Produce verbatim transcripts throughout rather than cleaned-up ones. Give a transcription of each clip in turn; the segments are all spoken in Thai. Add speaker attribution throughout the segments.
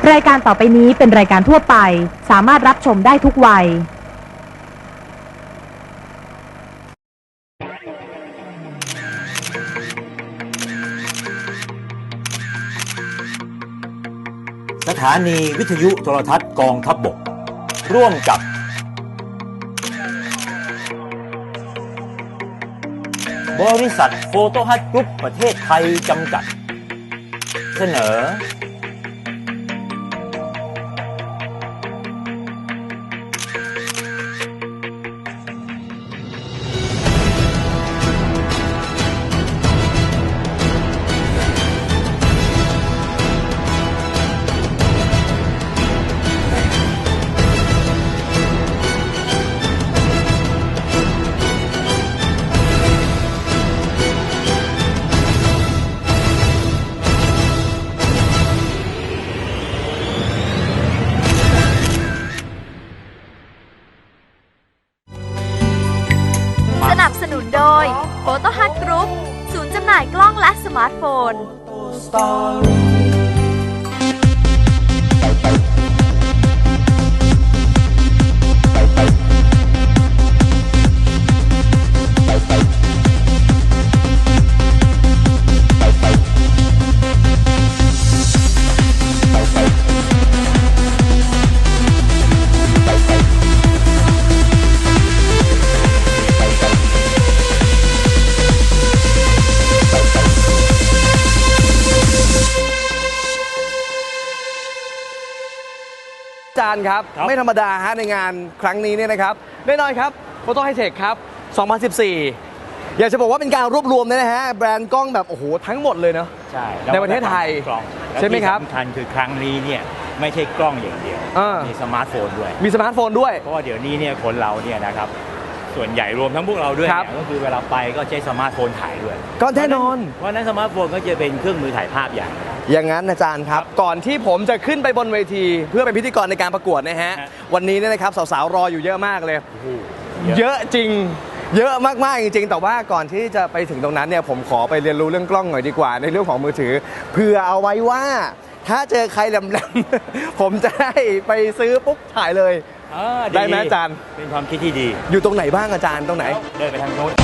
Speaker 1: รายการต่อไปนี้เป็นรายการทั่วไปสามารถรับชมได้ทุกวัย
Speaker 2: สถานีวิทยุโทรทัศน์กองทัพบกร่วมกับบริษัทโฟโตฮัทกรุ๊ปประเทศไทยจำกัดเสนอ
Speaker 3: สนับสนุนโดย Photo Hut Group ศูนย์จำหน่ายกล้องและสมาร์ทโฟน
Speaker 4: อาจารย์ครับไม่ธรรมดาฮะในงานครั้งนี้เนี่ยนะครับแน่นอนครับ Photo High Tech ครับ สองพันสิบสี่ อยากจะบอกว่าเป็นการรวบรวมนะฮะแบรนด์กล้องแบบโอ้โหทั้งหมดเลยเนาะ
Speaker 2: ใช่
Speaker 4: ในประเทศไทย
Speaker 2: กล้อง
Speaker 4: ใช่ไหมครับ
Speaker 2: และที่สำคัญคือครั้งนี้เนี่ยไม่ใช่กล้องอย่างเดียว
Speaker 4: อ่ามี
Speaker 2: มีสมาร์ทโฟนด้วย
Speaker 4: มีสมาร์ทโฟนด้วย
Speaker 2: เพราะว่าเดี๋ยวนี้เนี่ยคนเราเนี่ยนะครับส่วนใหญ่รวมทั้งพวกเราด้วย
Speaker 4: ครับ
Speaker 2: เนี่ยก็คือเวลาไปก็ใช้สมาร์ทโฟนถ่ายด้วย
Speaker 4: ก็แน่นอน
Speaker 2: เพราะฉะนั้นสมาร์ทโฟนก็จะเป็นเครื่องมือถ่ายภาพอย่าง
Speaker 4: อย่างนั้นอาจารย์ครับ ก่อนที่ผมจะขึ้นไปบนเวที เพื่อเป็นพิธีกรในการประกวดนะฮะ
Speaker 2: ฮะ
Speaker 4: วันนี้เนี่ยนะครับสาวๆรออยู่เยอะมากเลย
Speaker 2: โอ้โห
Speaker 4: เยอะจริง เยอะมากๆจริงๆ แต่ว่าก่อนที่จะไปถึงตรงนั้นเนี่ยผมขอไปเรียนรู้เรื่องกล้องหน่อยดีกว่าในเรื่องของมือถือเพื่อเอาไว้ว่า ถ้าเจอใครแหลมๆ ผมจะได้ไปซื้อปุ๊บถ่ายเลย
Speaker 2: อ่า
Speaker 4: ได้ไหมอาจารย์
Speaker 2: เป็นความคิดที่ดี
Speaker 4: อยู่ตรงไหนบ้างอาจารย์ตรงไหน
Speaker 2: เดินไปทางโน้น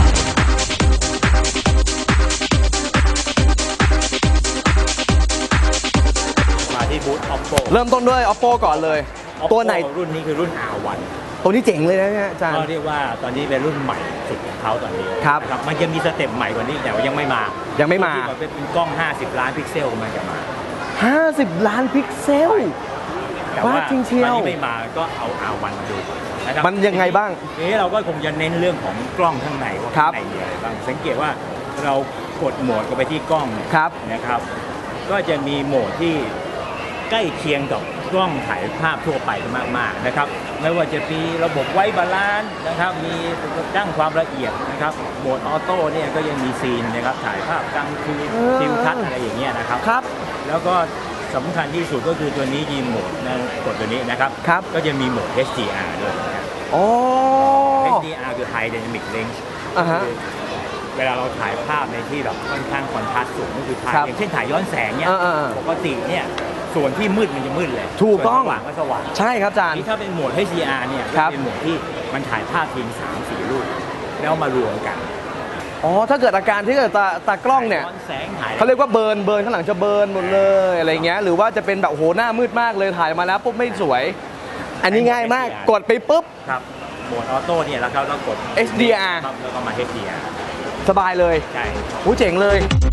Speaker 2: มาที่บูธ Oppo
Speaker 4: เริ่มต้นด้วย Oppo ก่อนเลย
Speaker 2: Oppo
Speaker 4: ตัวไหน
Speaker 2: รุ่นนี้คือรุ่น อาร์ วัน
Speaker 4: ตัวนี้เจ๋งเลยนะเนี่ยอาจารย์
Speaker 2: ก็เรียกว่าตอนนี้เป็นรุ่นใหม่สุดของเขาตอนนี้
Speaker 4: ครับ
Speaker 2: นะมันจะมีสเต็ปใหม่กว่านี้แต่ว่ายังไม่มา
Speaker 4: ยังไม่มา
Speaker 2: ที่แบบเป็นกล้อง ห้าสิบ ล้านพิกเซลมันจะมา
Speaker 4: ห้าสิบ ล้านพิกเซล
Speaker 2: แต่ว่า
Speaker 4: ว่าจริงเชียว
Speaker 2: ตอนนี้ไม่มาก็เอา อาร์ วัน มาดูก่อนนะครับ
Speaker 4: มันยังไงบ้าง
Speaker 2: ทีนี้เราก็คงจะเน้นเรื่องของกล้องข้างในว่า
Speaker 4: ครั
Speaker 2: ข้า
Speaker 4: บ
Speaker 2: งในมีอะไรบ้างสังเกตว่าเรากดโหมดกันไปที่กล้องเนี่ย
Speaker 4: ครับ
Speaker 2: นะครับ ก็จะมีโหมดที่ใกล้เคียงกับกล้องถ่ายภาพทั่วไปมากๆนะครับไม่ว่าจะมีระบบไว้บาลานซ์นะครับมีตั้งความละเอียดนะครับโหมดออโต้เนี่ยก็ยังมีซีนนะครับถ่ายภาพกลางคืน
Speaker 4: เออ
Speaker 2: ทิวทัศน์อะไรอย่างเงี้ยนะครับ
Speaker 4: ครับ
Speaker 2: แล้วก็สำคัญที่สุดก็คือตัวนี้มีโหมดนะกดตัวนี้นะครับ
Speaker 4: ครับ
Speaker 2: ก็จะมีโหมด เอช ดี อาร์ ด้วยนะครับ
Speaker 4: โอ้
Speaker 2: เอช ดี อาร์ คือ High Dynamic Range
Speaker 4: อ่าฮะ
Speaker 2: คือเวลาเราถ่ายภาพในที่แบบค่อนข้างคอนทราสต์สูงก็คือถ่าย
Speaker 4: ครับ
Speaker 2: อย่างเช่นถ่ายย้อนแสงเนี่ย
Speaker 4: อ่าๆ
Speaker 2: ปกติเนี่ยส่วนที่มืดมันจะมืดเลย
Speaker 4: ถูกต้อง
Speaker 2: ส่วนสว่างก็สว่าง
Speaker 4: ใช่ครับอาจารย์
Speaker 2: นี่ถ้าเป็นโหมด เอช ดี อาร์ เนี่ย
Speaker 4: ครั
Speaker 2: ก็
Speaker 4: บ
Speaker 2: เป็นโหมดที่มันถ่ายภาพทีมสามสี่รูปแล้วมารวมกัน
Speaker 4: อ๋อถ้าเกิดอาการที่เกิดตาตากล้องเนี่ย
Speaker 2: ถ่ย้อนแสงถ่าย
Speaker 4: เขาเรียกว่าเบิร์นเบิร์นข้างหลังจะเบิร์นหมดเลยอะไรเงี้ยหรือว่าจะเป็นแบบโอ้โหหน้ามืดมากเลยถ่ายมาแล้วปุ๊บไม่สวย อันนี้ง่ายมากกดไปปุ๊บ
Speaker 2: ครับโหมดออโต้เนี่ยแล้วก็เรากด
Speaker 4: เอช ดี อาร์
Speaker 2: ครับแล้วก็มา เอช ดี อาร์
Speaker 4: สบายเลย
Speaker 2: ใช่
Speaker 4: โอ้เจ๋งเลย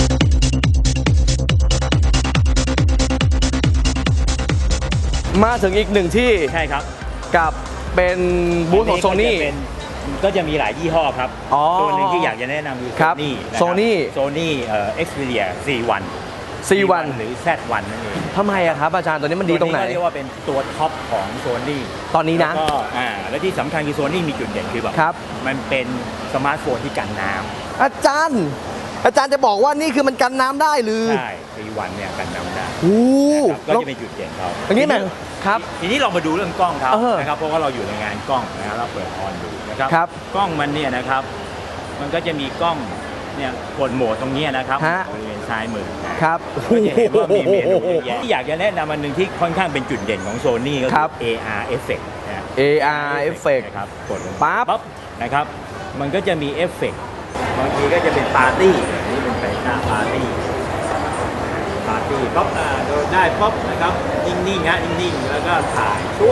Speaker 4: มาถึงอีกหนึ่งที่
Speaker 2: ใช่ครับ
Speaker 4: กับเป็นบูธของโซนี่
Speaker 2: ก็จะเป็นก็จะมีหลายยี่ห้อครับ
Speaker 4: อ๋อ
Speaker 2: ตัวหนึ่งที่อยากจะแนะนำคือ
Speaker 4: ครับ
Speaker 2: Sony นะครับ
Speaker 4: Sony
Speaker 2: Sony เอ่อ Xperia ซี วัน
Speaker 4: ซี วัน
Speaker 2: หรือ แซด วัน นั่นเอง
Speaker 4: ทำไมอะครับอาจารย์ตัวนี้มันดีตรงไหน
Speaker 2: วก็เรียกว่าเป็นตัวท็อปของ Sony
Speaker 4: ตอนนี้นะ
Speaker 2: แล้วก็อ่าและที่สำคัญคือ Sony มีจุดเด่นคือแบบ
Speaker 4: ครับ
Speaker 2: มันเป็นสมาร์ทโฟนที่กันน้ำ
Speaker 4: อาจารย์ อาจารย์จะบอกว่านี่คือมันกันน้ำได้หรือ
Speaker 2: ใช่ ซี วัน เนี่ยกันน้ำได้
Speaker 4: โอ้
Speaker 2: นะครับก็
Speaker 4: แล้ว
Speaker 2: จะเป็นจุดเด่นเขา
Speaker 4: อย่างนี้แม่งครับ
Speaker 2: ทีนี้เรามาดูเรื่องกล้องเขา
Speaker 4: เออ
Speaker 2: นะครับเพราะว่าเราอยู่ในงานกล้องนะครับเราเปิดออนดูนะครับ
Speaker 4: ครับ
Speaker 2: กล้องมันเนี่ยนะครับ มันก็จะมีกล้องเนี่ยกดโหมดตรงเนี้ยนะครับ
Speaker 4: ฮะ
Speaker 2: บริเวณซ้ายมือนะครับ
Speaker 4: โอ้
Speaker 2: ก็จะเห็นว่ามีเมนู
Speaker 4: โห
Speaker 2: เยอะแยะที่อยากจะแนะนำอันหนึ่งที่ค่อนข้างเป็นจุดเด่นของโซนี่ก็
Speaker 4: ค
Speaker 2: คื
Speaker 4: รั
Speaker 2: อบ เอ อาร์ Effect นะ
Speaker 4: เอ อาร์ Effect
Speaker 2: นะครับกดลง
Speaker 4: ปั๊บ
Speaker 2: ปั๊บนะครับมันก็จะมีเอฟเฟกต์บางทีก็จะเป็นปาร์ตี้อันนี้เป็นไฟหน้าปาร์ตี้ปาร์ตี้ป๊อปอ่าโดนได้ป๊อปนะครับนิ่งๆนะนิ่งๆแล้วก็ถ่ายชั่ว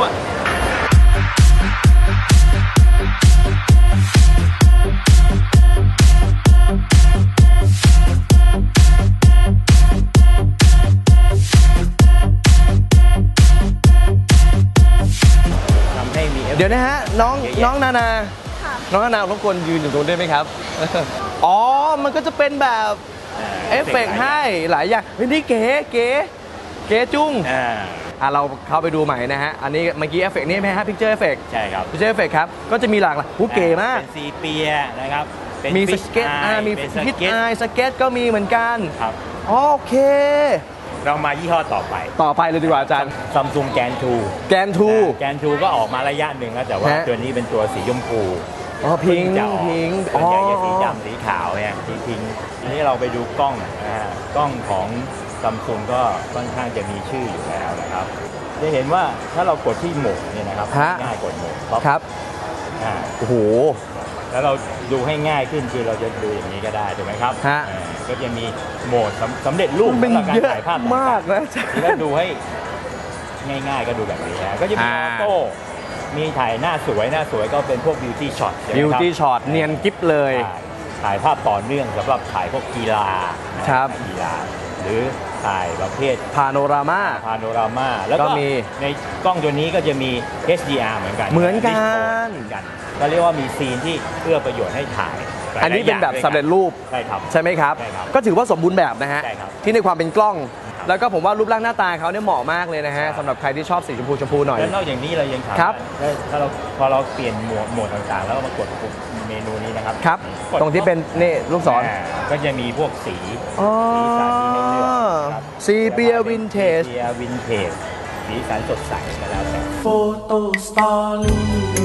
Speaker 2: ทำให้มีเอฟเฟกต์
Speaker 4: เดี๋ยวนะฮะน้อง
Speaker 2: เยอะแยะ
Speaker 4: น้องนานาน้องนานารบกวนยืนอยู่ตรงนี้ได้ไหมครับ อ๋อ มันก็จะเป็นแบบเอฟเฟกต์ให้หลายอย่างเฮ้ยนี่เก๋เก๋เก๋จุ้ง
Speaker 2: อ่า
Speaker 4: อ่ะเราเข้าไปดูใหม่นะฮะ อันนี้เมื่อกี้เอฟเฟกต์นี่ไหมฮะพิกเจอร์เอฟเฟกต์
Speaker 2: ใช่ครับ
Speaker 4: พิกเจอร์เอฟเฟกต์ครับ ก็จะมีหลากหลายผู้เก๋มาก
Speaker 2: เป็นซีเปียนะครับเป็น
Speaker 4: มีส
Speaker 2: fish
Speaker 4: เก็ต
Speaker 2: eye
Speaker 4: อ่ามี
Speaker 2: เป็น
Speaker 4: พิท
Speaker 2: สเก็ต
Speaker 4: ไอสเก็ตก็มีเหมือนกัน
Speaker 2: ครับ
Speaker 4: โอเค
Speaker 2: เรามายี่ห้อต่อไป
Speaker 4: ต่อไปเลยดีกว่าอาจารย์
Speaker 2: ซัมซุงแกนทู
Speaker 4: แกนทู
Speaker 2: แกนทูก็ออกมาระยะหนึ่งแล้วแต่ว่า
Speaker 4: ฮะ
Speaker 2: ตัวนี้เป็นตัวสีชมพู
Speaker 4: อ๋อพิง
Speaker 2: เพิ่จะออก
Speaker 4: พิง
Speaker 2: ส่วนใหญ่จะสีดำสีขาวเนี่ยสีพิงทีนี้เราไปดูกล้องนะฮะกล้องของซัมซุงก็ค่อนข้างจะมีชื่ออยู่แล้วนะครับ จะเห็นว่าถ้าเรากดที่โหมดเนี่ยนะครับ
Speaker 4: ฮะ
Speaker 2: ง่ายกดโหมดปั๊บ
Speaker 4: ครับ
Speaker 2: อ่า
Speaker 4: โอ้โห
Speaker 2: แล้วเราดูให้ง่ายขึ้นคือเราจะดูอย่างนี้ก็ได้ถูกไหมครับ
Speaker 4: ฮะ
Speaker 2: อ่าก็จะมีโหมดสำสำเร็จรูป
Speaker 4: มัน
Speaker 2: สำหรับการ
Speaker 4: เยอะ
Speaker 2: ถ่ายภาพ
Speaker 4: มากนะอาจารย์
Speaker 2: ที่เราดูให้ง่ายๆก็ดูแบบนี้นะก็จะมี
Speaker 4: อ่า
Speaker 2: ออโต้มีถ่ายหน้าสวยหน้าสวยก็เป็นพวกบิวตี้ช็อต
Speaker 4: บิวตี้ช็อตเนียนกิ๊บเลย
Speaker 2: ถ่ายภาพต่อเนื่องสำหรับถ่ายพวกกีฬานะครับ กีฬาหรือถ่ายประเภท
Speaker 4: พาโนรามา
Speaker 2: พาโนรามาแล้วก็
Speaker 4: ก็มี
Speaker 2: ในกล้องตัวนี้ก็จะมี เอช ดี อาร์ เหมือนกัน
Speaker 4: เหมือนกัน
Speaker 2: เหมือนกันก็เรียกว่ามีซีนที่เอื้อประโยชน์ให้ถ่ายหลายๆ
Speaker 4: อันนี้เป็นแบบ
Speaker 2: อย่าง
Speaker 4: สำเร็จรูป
Speaker 2: ใช่ครับ
Speaker 4: ใช่ไหมครับ
Speaker 2: ใช่ครับ
Speaker 4: ก็ถือว่าสมบูรณ์แบบนะฮะ
Speaker 2: ใช่ครับ
Speaker 4: ที่ในความเป็นกล้อง
Speaker 2: ครับ
Speaker 4: แล้วก็ผมว่ารูปร่างหน้าตาเขาเนี่ยเหมาะมากเลยนะฮะ
Speaker 2: ใช่
Speaker 4: สำหรับใครที่ชอบสีชมพูชมพูหน่อย
Speaker 2: แล้วนอกจากนี้เรายังถาม
Speaker 4: ครับ
Speaker 2: ว่าถ้าเราพอเราเปลี่ยนหมวดหมวดต่างๆ แล้วมากดปุ่มเมนูนี้นะครับ
Speaker 4: ครับ
Speaker 2: กด
Speaker 4: ตรงที่เป็นนี่ลูกศร
Speaker 2: อ่าก็จะมีพวกสี
Speaker 4: อ๋อ
Speaker 2: สีสันที่ให้เลือกครับ
Speaker 4: ซีเปียวินเทจ
Speaker 2: ซีเปียวินเทจสีสันสดใสก็แล้วแต่
Speaker 5: โฟโต้สตอรี่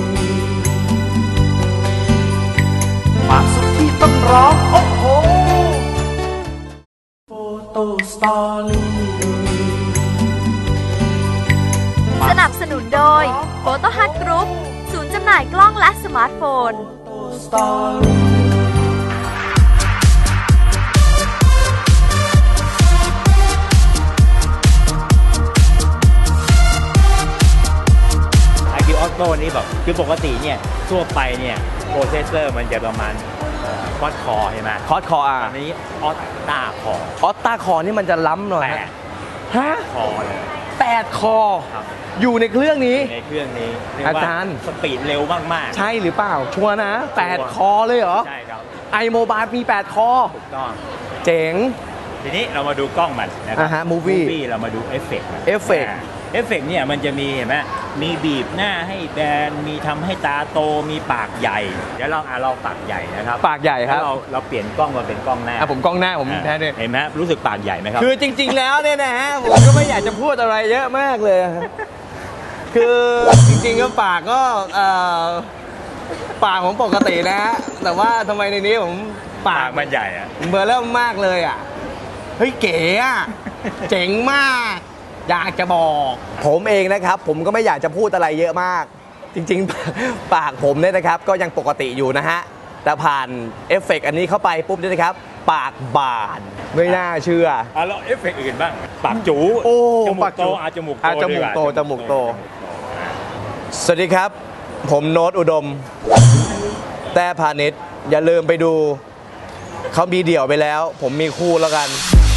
Speaker 5: ความสุขที่ต้องร้องโอ้โหโฟโต้สตอรี่
Speaker 3: สนับสนุนโดย Photo Hut Group ศูนย์จำหน่ายกล้องและสมาร์ทโฟน
Speaker 5: สตอรี่
Speaker 2: ไอ คิว Auto นี่แบบคือปกติเนี่ยทั่วไปเนี่ยโปรเซสเซอร์มันจะประมาณควอดคอใช่ไหม
Speaker 4: คอร์สคออ่ะ
Speaker 2: อันนี้ออตตาคอ
Speaker 4: ออตตาคอนี่มันจะล้ำหน่อย
Speaker 2: แป
Speaker 4: ฮะ
Speaker 2: ด
Speaker 4: ฮะ
Speaker 2: คอเลย
Speaker 4: แปดคอ
Speaker 2: ครับ
Speaker 4: อยู่ในเครื่องนี้
Speaker 2: ในเครื่องนี้เก
Speaker 4: อา
Speaker 2: ว่
Speaker 4: จารย์
Speaker 2: สปีดเร็วมากๆ
Speaker 4: ใช่หรือเปล่า ชัวร์นะแปดคอเลยเหรอ
Speaker 2: ใช่ครับ
Speaker 4: ไอโมบายมีแปดคอ
Speaker 2: ถูกต้อง
Speaker 4: เจ๋ง
Speaker 2: ทีนี้เรามาดูกล้องมันนะครั
Speaker 4: อ่าฮะ movie
Speaker 2: เรามาดูเอฟเฟกต์มัน
Speaker 4: เอฟเฟกต์
Speaker 2: าเอฟเฟกต์เนี่ยมันจะมีเห็นไหมมีบีบหน้าให้แบนมีทำให้ตาโตมีปากใหญ่เดี๋ยวเราอ่ะเราปากใหญ่นะครับ
Speaker 4: ปากใหญ่ครับ
Speaker 2: แล้วเราเราเปลี่ยนกล้องมาเป็นกล้องหน้า
Speaker 4: อ่ะผมกล้องหน้าผม
Speaker 2: อ่ะ
Speaker 4: แท้เนี่ย
Speaker 2: เห็นไหมรู้สึกปากใหญ่ไหมครับ
Speaker 4: คือจริง ๆ แล้วเนี่ยนะฮะผมก็ไม่อยากจะพูดอะไรเยอะมากเลย คือจริงๆก็ปากก็เอ่อปากผมปกตินะฮะแต่ว่าทำไมในนี้ผมปา
Speaker 2: ปาก กมันใหญ่อะ
Speaker 4: ผมเบลอเริ่มมากเลยอ่ะเฮ้ยเก๋อ่ะ เจ๋งมาก อยากจะบอก ผมเองนะครับ ผมก็ไม่อยากจะพูดอะไรเยอะมาก จริงๆ ปากผมเนี่ยนะครับ ก็ยังปกติอยู่นะฮะ แต่ผ่านเอฟเฟกต์อันนี้เข้าไปปุ๊บเนี่ยนะครับ ปากบานไม่น่าเชื่อ
Speaker 2: อ่ะแล้วเอฟเฟกต์อื่นบ้างปากจู
Speaker 4: โอ้
Speaker 2: จมู
Speaker 4: ปาก
Speaker 2: ก
Speaker 4: จู
Speaker 2: โตอาจมูกโต
Speaker 4: อ่ะจมูกโต
Speaker 2: ดีว่า
Speaker 4: จมูกโต สวัสดีครับ ผมโน้ตอุดม แต่พาณิชย์อย่าลืมไปดู เขามีเดี่ยวไปแล้ว ผมมีคู่แล้วกัน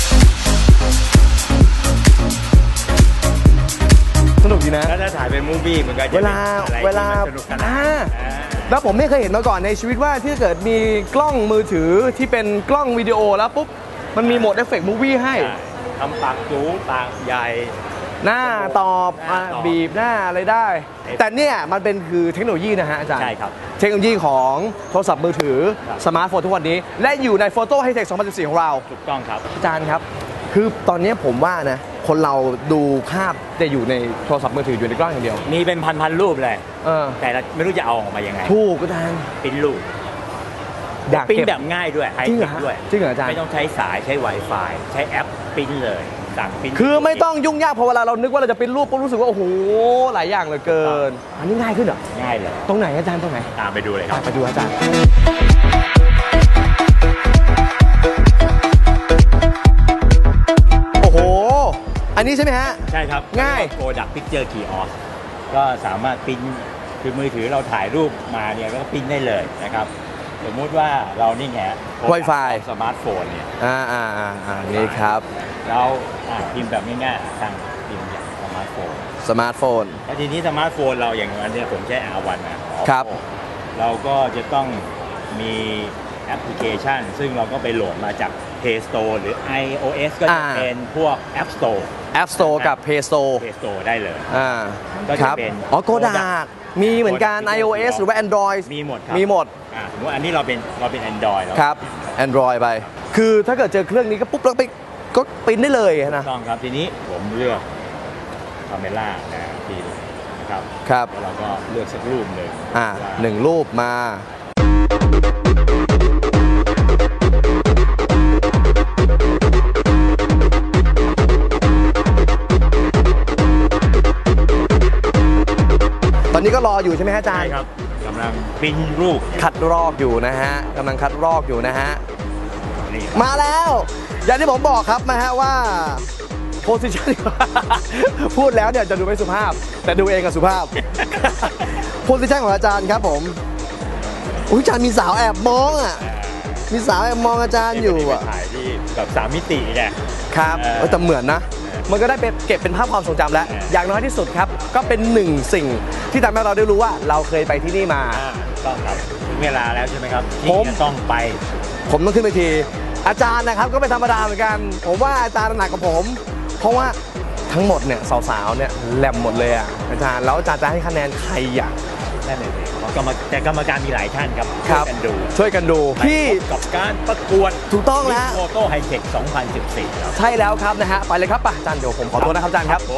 Speaker 4: สนุกดีนะ
Speaker 2: แล้วถ้าถ่ายเป็นมูฟวี่มันก็จะ
Speaker 4: เวลา
Speaker 2: ป็นอะไร
Speaker 4: เวลา
Speaker 2: ที่มันสนุกสนาน
Speaker 4: อ่า
Speaker 2: อ่า
Speaker 4: แล้วผมไม่เคยเห็นมาก่อนในชีวิตว่าที่เกิดมีกล้องมือถือที่เป็นกล้องวิดีโอแล้วปุ๊บ มันมีโหมดเอฟเฟกต์มูวี่ให้
Speaker 2: ทำปากจูปากใหญ่
Speaker 4: หน้าตอบ
Speaker 2: หน้า
Speaker 4: อ่ะ
Speaker 2: ตอบ
Speaker 4: บีบหน้าอะไรได้ แต่เนี่ยมันเป็นคือเทคโนโลยีนะฮะอาจารย์
Speaker 2: ใช่ครับ
Speaker 4: เทคโนโลยีของโทรศัพท์มือถือ
Speaker 2: ครับ
Speaker 4: สมาร์ทโฟนทุกวันนี้ และอยู่ในโฟโต้ไฮเทคสองพันสิบสี่ของเรา
Speaker 2: ถูกต้องครับ
Speaker 4: อาจารย์ครับ คือตอนนี้ผมว่านะ คนเราดูภาพจะอยู่ในโทรศัพท์มือถืออยู่ในกล้องอย่างเดียว
Speaker 2: มีเป็นพันๆรูปเลย
Speaker 4: เออ
Speaker 2: แต่เราไม่รู้จะเอาออกมายังไง
Speaker 4: ถูกอาจารย์
Speaker 2: เป็นรูป
Speaker 4: อยาก
Speaker 2: ปริ้น
Speaker 4: เก็บ
Speaker 2: แบบง่ายด้วยไฮ
Speaker 4: จริง
Speaker 2: เท
Speaker 4: เหรอ
Speaker 2: ค
Speaker 4: ฮะ
Speaker 2: ด้วย
Speaker 4: จริงเหรออาจารย์
Speaker 2: ไม่ต้องใช้สายใช้ Wi-Fi ใช้แอปปริ้นเลยสั่งปริ้น
Speaker 4: คือไม่ต้องยุ่งยากพอเวลาเรานึกว่าเราจะเป็นรูปปุ๊บรู้สึกว่าโอ้โหหลายอย่างเหลือเกิน อันนี้ง่ายขึ้นเหรอ
Speaker 2: ง่ายเลย
Speaker 4: ตรงไหนอาจารย์ตรงไหน
Speaker 2: ตามไปดูเลยครับ
Speaker 4: ไปดูอาจารย์โอ้โหอันนี้ใช่ไหมฮะ
Speaker 2: ใช่ครับ
Speaker 4: ง่าย
Speaker 2: โปรดักต์พิกเจอร์คีย์ออสก็สามารถปริ้นคือมือถือเราถ่ายรูปมาเนี่ยก็ปริ้นได้เลยนะครับสมมุติว่าเรานี่ไง
Speaker 4: Wi-Fi
Speaker 2: สมาร์ทโฟนเนี่ย
Speaker 4: อ่าอ่าอ่าอ่านี่ครับ
Speaker 2: เราอ่ะพิมพ์แบบง่ายๆสั่งพิมพ์จากสมาร์ทโฟน
Speaker 4: สมาร์ทโฟน
Speaker 2: แล้วทีนี้สมาร์ทโฟนเราอย่างอันเนี้ยผมใช้ อาร์ วัน นะ
Speaker 4: ครับ
Speaker 2: เราก็จะต้องมีแอปพลิเคชัน ซึ่งเราก็ไปโหลดมาจาก Play Store หรือ iOS ก็จะเป็นพวก App Store
Speaker 4: App Store กับ Play Store
Speaker 2: Play Store ได้เลย
Speaker 4: อ่า
Speaker 2: ก็
Speaker 4: ค
Speaker 2: จะ
Speaker 4: รับ
Speaker 2: เป็น
Speaker 4: อ๋อโกดากมีเหมือนกัน iOS หรือว่า Android
Speaker 2: มีหมดครับ
Speaker 4: มีหมด
Speaker 2: อ่าสมมติอันนี้เราเป็นเราเป็น Android แล้ว
Speaker 4: ครับ Android ไป คือถ้าเกิดเจอเครื่องนี้ก็ปุ๊บแล้วไปก็ปริ้นได้เลยนะ
Speaker 2: ต้องครับทีนี้ผมเลือกคาเมล่านะทีนะครับ
Speaker 4: ครับ
Speaker 2: แล้วเราก็เลือกสักรูปหนึ่ง
Speaker 4: อ่า
Speaker 2: ว่า
Speaker 4: หนึ่งรูปมา ตอนนี้ก็รออยู่ใช่ไหมฮะอาจาร
Speaker 2: ใช่
Speaker 4: ย์
Speaker 2: ครับกำลังปริ้นรูป
Speaker 4: คัดรอกอยู่นะฮะกำลังคัดรอกอยู่นะฮะ
Speaker 2: นี่
Speaker 4: มาแล้ว อย่างที่ผมบอกครับนะฮะว่าโพสิชัน พูดแล้วเนี่ยจะดูไม่สุภาพ แต่ดูเองกับสุภาพ โพสิชันของอาจารย์ครับผมอุ้ยอาจารย์มีสาวแอบมองอ่ะ มีสาวแอบมองอาจารย์อยู่
Speaker 2: นี่
Speaker 4: อ่ะ
Speaker 2: ไปถ่ายที่แบบสามมิติไง
Speaker 4: ครับ
Speaker 2: เออ
Speaker 4: เออแต่เหมือนนะ มันก็ได้ไปเก็บเป็นภาพความทรงจำแล้ว
Speaker 2: เออ
Speaker 4: อ
Speaker 2: อ
Speaker 4: ย่างน้อยที่สุดครับ ก็เป็นหนึ่งสิ่งที่ทำให้เราได้รู้ว่าเราเคยไปที่นี่มา
Speaker 2: อ่าต้องครับถึงเวลาแล้วใช่ไหมครับ
Speaker 4: ผม
Speaker 2: ที่จะต้องไป
Speaker 4: ผมต้องขึ้นไปที อาจารย์นะครับก็ไม่ธรรมดาเหมือนกัน ผมว่าอาจารย์หนักกว่าผม เพราะว่าทั้งหมดเนี่ยสาวๆเนี่ยแหลมหมดเลยอ่ะอาจารย์แล้วอาจารย์จะให้คะแนนใครอ่ะ
Speaker 2: นั่นเองกรรมแต่กรรมการมีหลายท่านครับ
Speaker 4: ครับ
Speaker 2: ช่วยกันดู
Speaker 4: ช่วยกันดูที่
Speaker 2: ไปพบกับการประกวด
Speaker 4: ถูกต้องแล้ว
Speaker 2: โฟโต้ไฮเทคสองพันสิบสี่ครับ
Speaker 4: ใช่แล้วครับนะฮะไปเลยครับป่ะอาจารย์เดี๋ยวผมขอตัวนะครับอาจารย์ครับ
Speaker 2: ผม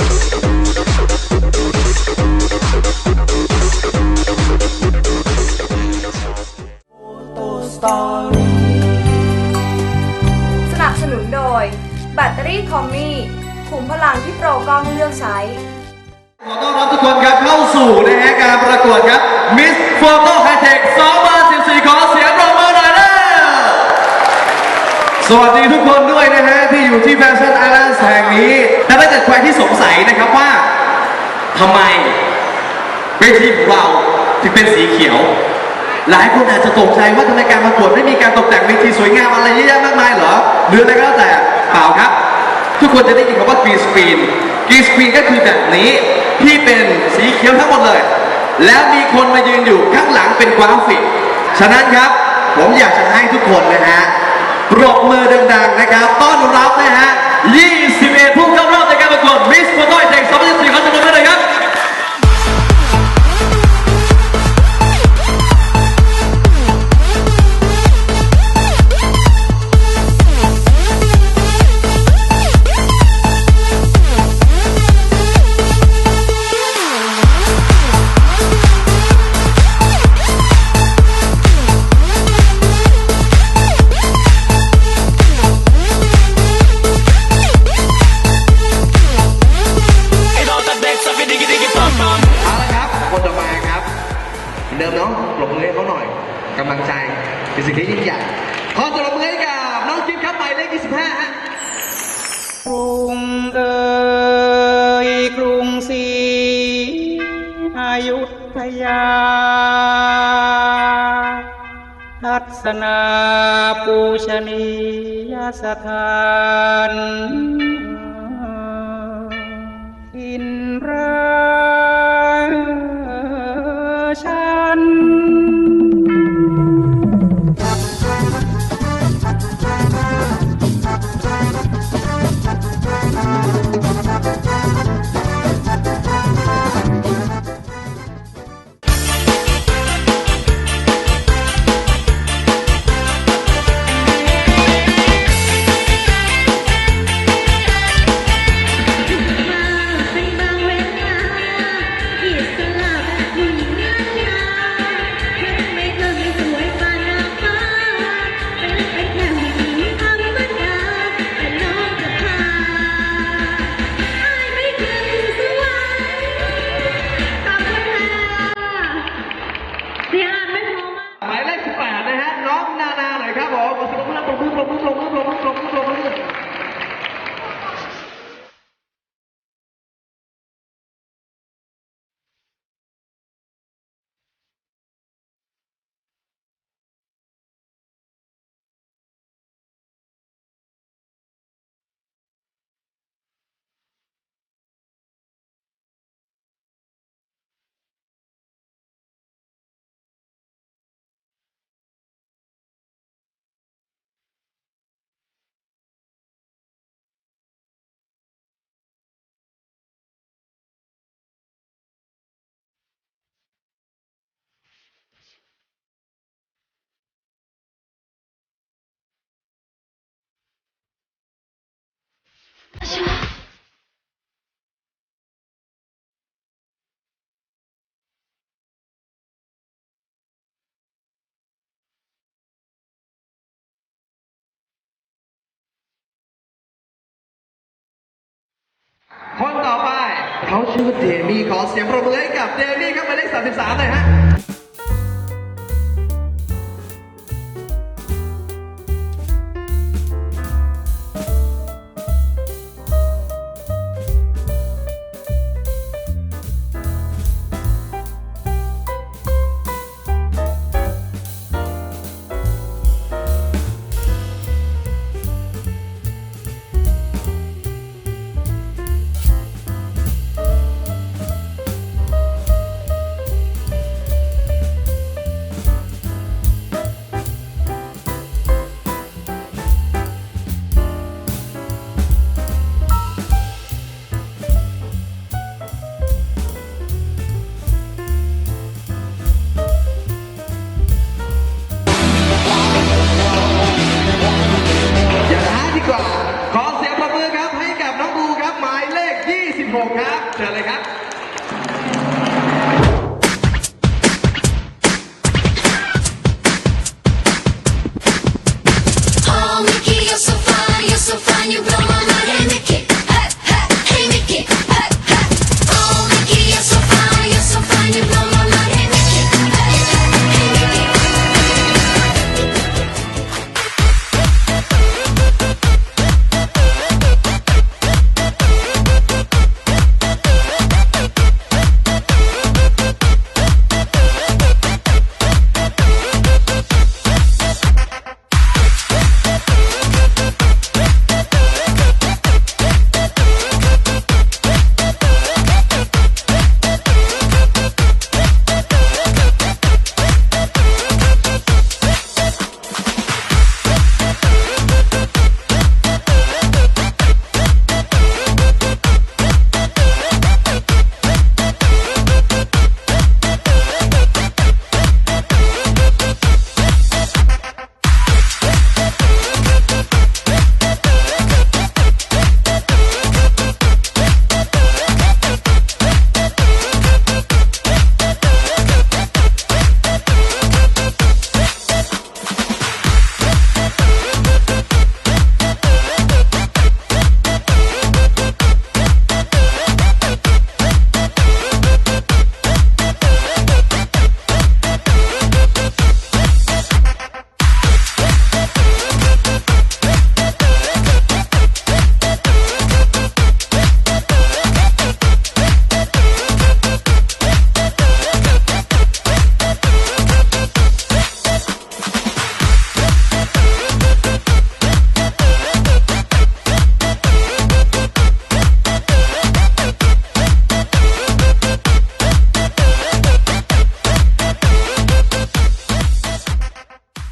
Speaker 3: สนับสนุนโดย แบตเตอรี่คอมมี่ขุมพลังที่โปรกล้องเลือกใช้
Speaker 6: ขอต้อนรับทุกคนครับเข้าสู่นะฮะการประกวดครับ Miss Photo High Tech สองพันสิบสี่ ขอเสียงปรบมือหน่อยนะสวัสดีทุกคนด้วยนะฮะที่อยู่ที่แฟชั่นไอแลนด์แห่งนี้และถ้าเกิดใครที่สงสัยนะครับว่าทำไมเวทีของเราถึงเป็นสีเขียว หลายคนอาจจะตกใจว่าทำไมการประกวดไม่มีการตกแต่งเวทีสวยงามอะไรเยอะแยะมากมายเหรอหรืออะไรก็แล้วแต่เปล่าครับ ทุกคนจะได้ยินคำว่า green screen green screen ก็คือแบบนี้ที่เป็นสีเขียวทั้งหมดเลย แล้วมีคนมายืนอยู่ข้างหลังเป็นกราฟิก ฉะนั้นครับผมอยากจะให้ทุกคนนะฮะปรบมือดังๆนะครับต้อนรับนะฮะยี่สิบเอ็ดผู้เข้ารอบในการประกวด Miss Photo High Tech สองพันสิบสี่ขอเสียงปรบมือหน่อยครับ เอาละครับคนต่อมาครับเหมือนเดิมเนาะปรบมือให้เขาหน่อยกำลังใจเป็นสิ่งที่ยิ่งใหญ่ขอปรบมือให้กับน้องจิ๊บครับหมายเลขยี่สิบห้าฮะ
Speaker 7: กรุงเอ่ยกรุงศรีอยุธยา ทัศนาปูชนียสถานอินราชัน
Speaker 8: เป็นบางเวลาที่สลับหุ่นงานยา
Speaker 6: ปรบมือปรบมือปรบมือปรบมือปรบมือปรบมือคนต่อไปเขาชื่อเดมี่ขอเสียงปรบมือให้กับเดมี่ครับหมายเลขสามสิบสามเลยฮะ